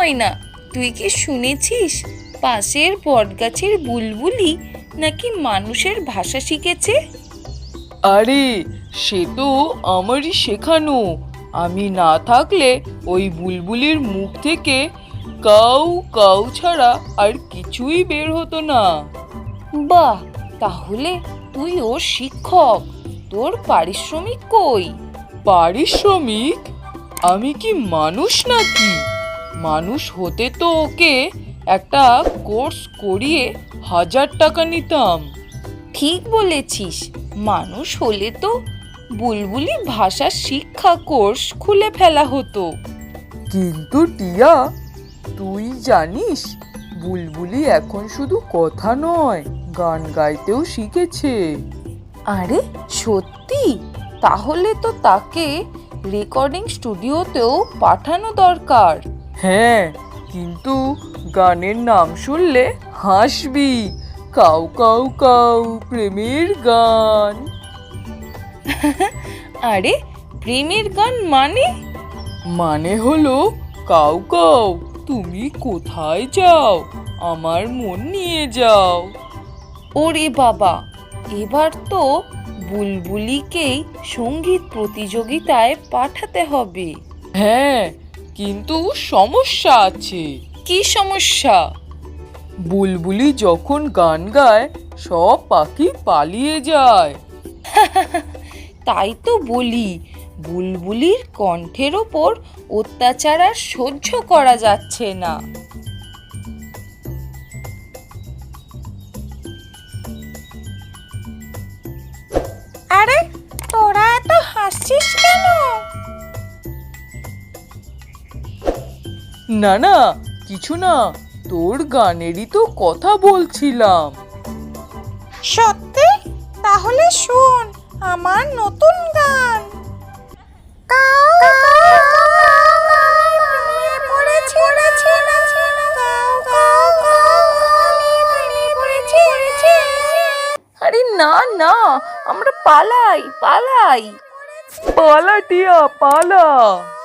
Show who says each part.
Speaker 1: হয় না। তুই কি শুনেছিস পাশের বটগাছের বুলবুলি নাকি মানুষের ভাষা শিখেছে?
Speaker 2: আরে, সে তো আমারই শেখানো। আমি না থাকলে ওই বুলবুলির মুখ থেকে কাউ কাউ ছাড়া আর কিছুই বের হতো না।
Speaker 1: বাহ, তাহলে তুই ওর শিক্ষক। তোর পারিশ্রমিক কই?
Speaker 2: পারিশ্রমিক? আমি কি মানুষ নাকি? মানুষ হতে তো ওকে একটা কোর্স করিয়ে 1000 টাকা নিতাম।
Speaker 1: ঠিক বলেছিস, মানুষ হলে তো বুলবুলি ভাষা শিক্ষা কোর্স খুলে ফেলা হতো।
Speaker 2: কিন্তু টিয়া, তুই জানিস বুলবুলি এখন শুধু কথা নয়, গান গাইতেও শিখেছে।
Speaker 1: আরে সত্যি? তাহলে তো তাকে রেকর্ডিং স্টুডিওতেও পাঠানো দরকার।
Speaker 2: হ্যাঁ, কিন্তু গানের নাম শুনলে হাসবি। কাউ কাউ কাউ প্রেমের গান।
Speaker 1: আরে, প্রেমের গান মানে?
Speaker 2: মানে হলো, কাউ কাউ তুমি কোথায় যাও, আমার মন নিয়ে যাও।
Speaker 1: ওরে বাবা, এবার তো বুলবুলিকেই সঙ্গীত প্রতিযোগিতায় পাঠাতে হবে।
Speaker 2: হ্যাঁ, কিন্তু সমস্যা আছে।
Speaker 1: কি সমস্যা?
Speaker 2: বুলবুলি যখন গান গায় সব পাখি পালিয়ে যায়।
Speaker 1: তাই তো বলি, বুলবুলির কণ্ঠের ওপর অত্যাচার আর সহ্য করা যাচ্ছে না। আরে, তোরা এত হাসছিস কেন?
Speaker 2: না না, কিছু না, তোর গানেরই তো কথা বলছিলাম।
Speaker 1: সত্যি? তাহলে শোন আমার নতুন গান। আরে না না, আমরা পালাই পালাই।
Speaker 2: পালা টিয়া, পালা।